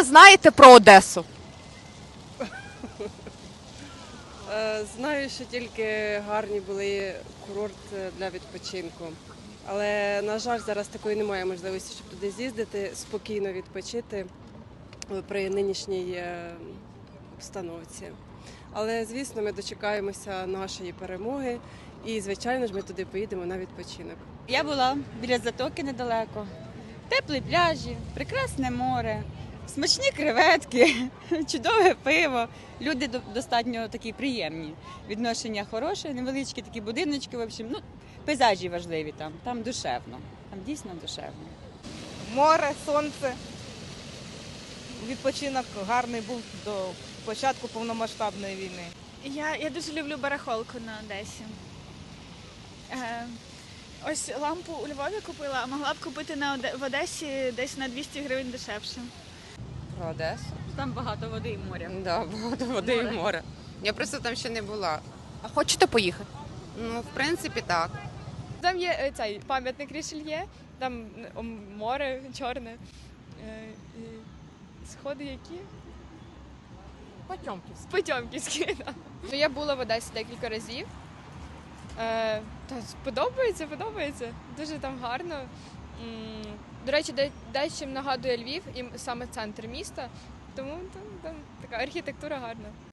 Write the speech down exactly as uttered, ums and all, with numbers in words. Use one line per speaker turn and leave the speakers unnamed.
ви знаєте про Одесу?
Е, Знаю, що тільки гарні були курорти для відпочинку. Але, на жаль, зараз такої немає можливості, щоб туди з'їздити, спокійно відпочити при нинішній е, обстановці. Але, звісно, ми дочекаємося нашої перемоги і, звичайно ж, ми туди поїдемо на відпочинок.
Я була біля затоки недалеко. Теплі пляжі, прекрасне море, смачні креветки, чудове пиво. Люди до- достатньо такі приємні. Відношення хороше, невеличкі такі будиночки. В общем, ну, пейзажі важливі там, там душевно. Там дійсно душевно.
Море, сонце. Відпочинок гарний був до початку повномасштабної війни.
Я, я дуже люблю барахолку на Одесі. Е, ось лампу у Львові купила, а могла б купити на Оде- в Одесі десь на двісті гривень дешевше.
Про Одесу.
Там багато води і моря.
Да, багато води і море. Я просто там ще не була.
А хочете поїхати?
Ну, в принципі, так.
Там є е, цей пам'ятник Рішельє, там е, море чорне. Е, і Сходи які?
Потьомківська.
Потьомківські. Да. Ну, я була в Одесі декілька разів. Е, та подобається, подобається. Дуже там гарно. М, До речі, де- дещо нагадує Львів, і саме центр міста. Тому там, там така архітектура гарна.